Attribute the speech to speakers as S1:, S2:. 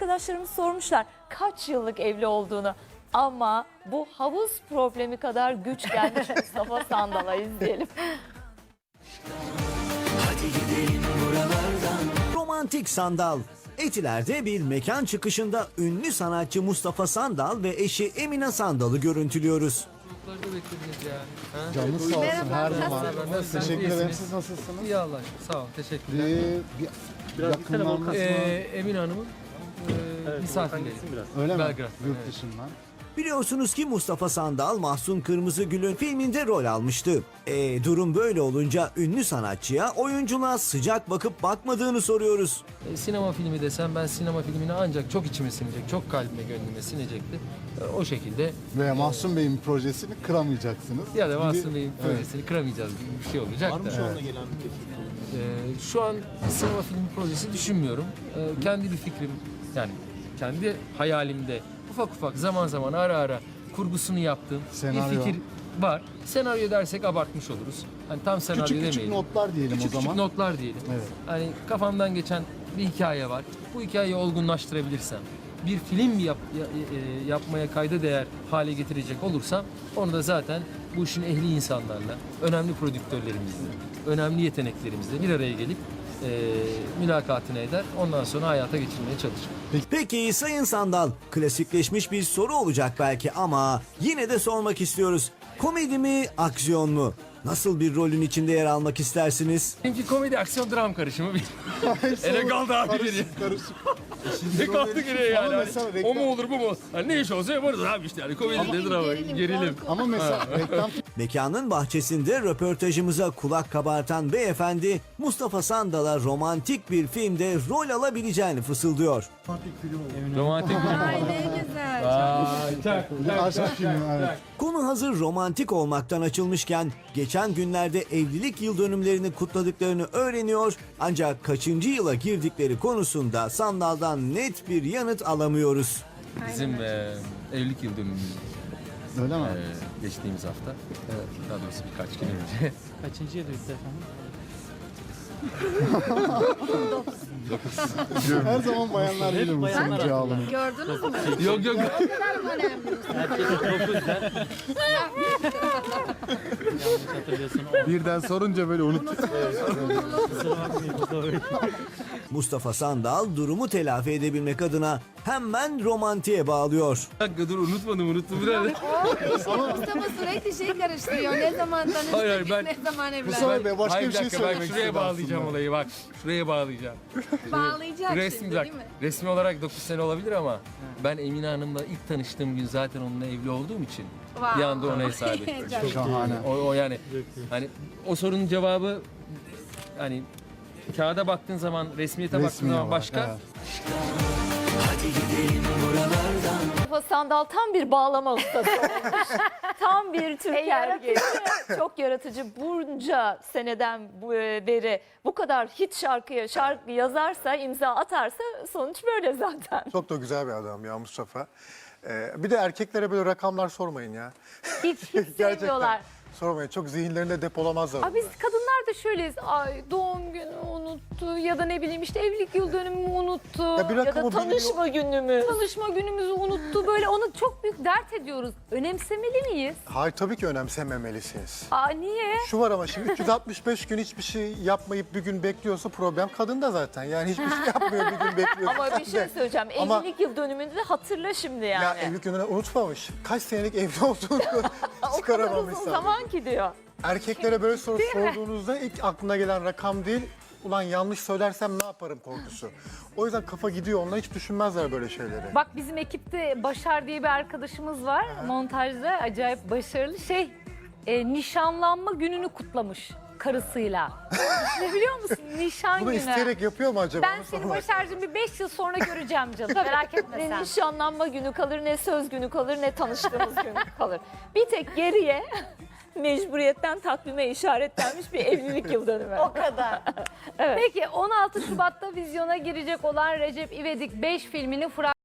S1: arkadaşlarımız sormuşlar kaç yıllık evli olduğunu. Ama bu havuz problemi kadar güç gelmiş Mustafa Sandal'a, izleyelim.
S2: Hadi gidelim buralardan.
S3: Romantik Sandal. Etiler'de bir mekan çıkışında ünlü sanatçı Mustafa Sandal ve eşi Emine Sandal'ı görüntülüyoruz.
S4: Çocukları da beklediniz ya. Ha?
S5: Canınız sağ olsun her zaman.
S4: Nasılsınız?
S5: Teşekkür ederim.
S4: İyisiniz.
S5: Siz nasılsınız?
S4: İyi Allah aşkına. Sağ olun. Teşekkürler.
S5: Yakınlarınız mı?
S4: Emine Hanım'ın misafirleri.
S5: Öyle mi?
S4: Belgrad.
S5: Yurt
S4: Evet.
S5: dışından.
S3: Biliyorsunuz ki Mustafa Sandal Mahsun Kırmızıgül'ün filminde rol almıştı. Durum böyle olunca ünlü sanatçıya oyunculuğa sıcak bakıp bakmadığını soruyoruz.
S4: Sinema filmi desem ben sinema filmini ancak çok içime sinecek, çok kalbime gönlüme sinecekti. O şekilde
S5: Ve Mahsun Bey'in projesini kıramayacaksınız.
S4: ya da
S5: Gibi-
S4: Mahsun Bey'in projesini kıramayacağız gibi bir şey olacak da.
S6: Onunla gelen bir teklif.
S4: Şu an sinema filmi projesi düşünmüyorum. Kendi bir fikrim, yani kendi hayalimde ufak ufak zaman zaman ara ara kurgusunu yaptığım
S5: Senaryo.
S4: bir fikir var. Senaryo dersek abartmış oluruz. Hani tam senaryo
S5: Küçük
S4: demeyelim.
S5: küçük notlar diyelim
S4: Küçük
S5: o zaman.
S4: küçük notlar diyelim.
S5: Evet.
S4: Hani kafamdan geçen bir hikaye var. Bu hikayeyi olgunlaştırabilirsem, bir film yapmaya kayda değer hale getirecek olursam, onu da zaten bu işin ehli insanlarla, önemli prodüktörlerimizle, önemli yeteneklerimizle bir araya gelip mülakatını eder. Ondan sonra hayata geçirmeye çalışır.
S3: Peki Sayın Sandal, klasikleşmiş bir soru olacak belki ama yine de sormak istiyoruz. Komedi mi, aksiyon mu? Nasıl bir rolün içinde yer almak istersiniz?
S4: Benimki komedi, aksiyon, dram karışımı bir. Ele kaldı abi geriye.
S5: Karışık.
S4: Ne kaldı geriye yani?
S5: Ama
S4: Hani
S5: mesela
S4: o mu olur bu mu? Hani ne iş olsa yaparız abi işte. Yani komedi de drama, gerilim.
S5: Ama mesela reklam
S3: Mekanın bahçesinde röportajımıza kulak kabartan beyefendi Mustafa Sandal'a romantik bir filmde rol alabileceğini fısıldıyor.
S4: Romantik film.
S7: Ay ne güzel.
S4: Vay, çak.
S5: aşk filmi. Evet.
S3: Konu hazır romantik olmaktan açılmışken geçen günlerde evlilik yıl dönümlerini kutladıklarını öğreniyor ancak kaçıncı yıla girdikleri konusunda Sandal'dan net bir yanıt alamıyoruz.
S4: Bizim evlilik yıl dönümümüz
S5: Öyle mi?
S4: geçtiğimiz hafta. Daha doğrusu birkaç gün önce.
S8: Kaçıncı yıl bitti efendim?
S5: Her zaman bayanlar gelir bu
S8: bayanlar
S5: sonucu alın.
S7: Gördünüz mü?
S4: Yok yok.
S7: O kadar mı önemli?
S8: Erkekler 9 der. Yanlış hatırlıyorsun.
S5: Birden sorunca böyle unut.
S3: Mustafa Sandal durumu telafi edebilmek adına hemen romantiğe bağlıyor.
S4: Bir dakika dur unuttum biraz.
S7: Mustafa sürekli şey karıştırıyor. Ne zaman
S4: Hayır,
S7: tanıştık,
S4: ben-
S7: ne zaman
S5: Bu
S7: evlendik.
S5: sefer de başka
S4: Hayır,
S5: bir şey
S4: dakika,
S5: söylemek
S4: şuraya
S5: istedim
S4: bağlayacağım
S5: aslında.
S4: olayı bak. Şuraya bağlayacağım.
S7: Bağlayacak
S4: Resmi,
S7: şimdi
S4: bak,
S7: değil mi?
S4: resmi olarak 9 sene olabilir ama ben Emine Hanım'la ilk tanıştığım gün zaten onunla evli olduğum için bir anda ona hesap ettim.
S7: Çok
S5: Şahane.
S4: O yani hani o sorunun cevabı hani kağıda baktığın zaman resmiyete baktığın
S5: Resmi
S4: zaman
S5: olarak,
S4: başka.
S5: evet.
S2: Hadi gidelim buralardan.
S1: Mustafa Sandal tam bir bağlama ustası olmuş. Tam bir Türk erkeği. Çok yaratıcı. Bunca seneden beri bu kadar hit şarkı yazarsa, imza atarsa sonuç böyle zaten.
S6: Çok da güzel bir adam ya Mustafa. Bir de erkeklere böyle rakamlar sormayın ya.
S1: Hiç sevmiyorlar.
S6: Sormayın. Çok zihinlerinde depolamazlar.
S1: Aa, biz kadınlar da şöyleyiz. Ay doğum günü unuttu ya da ne bileyim işte evlilik yıl dönümümü unuttu
S6: Ya bir
S1: ya da
S6: rakamı
S1: tanışma günümü. Tanışma günümüzü unuttu. Böyle onu çok büyük dert ediyoruz. Önemsemeli miyiz?
S6: Hayır tabii ki önemsememelisiniz.
S1: Aa niye?
S6: Şu var ama şimdi 365 gün hiçbir şey yapmayıp bir gün bekliyorsa problem kadında zaten. Yani hiçbir şey yapmıyor bir gün bekliyor.
S1: Ama bir şey söyleyeceğim.
S6: Ama-
S1: Evlilik yıl dönümünü de hatırla şimdi yani.
S6: Ya evlilik gününü unutmamış. Kaç senelik evli olduğunu
S1: o kadar
S6: çıkaramamış
S1: uzun
S6: zaten.
S1: zaman ki diyor.
S6: Erkeklere böyle soru sorduğunuzda ilk aklına gelen rakam değil, ulan yanlış söylersem ne yaparım korkusu. O yüzden kafa gidiyor, onlar hiç düşünmezler böyle şeyleri.
S9: Bak bizim ekipte Başar diye bir arkadaşımız var. Montajda acayip başarılı. Nişanlanma gününü kutlamış karısıyla. Ne biliyor musun? Nişan
S6: Bunu
S9: günü.
S6: isteyerek yapıyor mu acaba?
S9: Ben
S6: Onu
S9: seni
S6: sormak-
S9: Başar'cığım bir 5 yıl sonra göreceğim canım. Merak etme
S1: Ne
S9: sen.
S1: nişanlanma günü kalır, ne söz günü kalır, ne tanıştığımız gün kalır. Bir tek geriye mecburiyetten takvime işaretlenmiş bir evlilik yıl dönümü.
S9: O kadar. Peki 16 Şubat'ta vizyona girecek olan Recep İvedik 5 filminin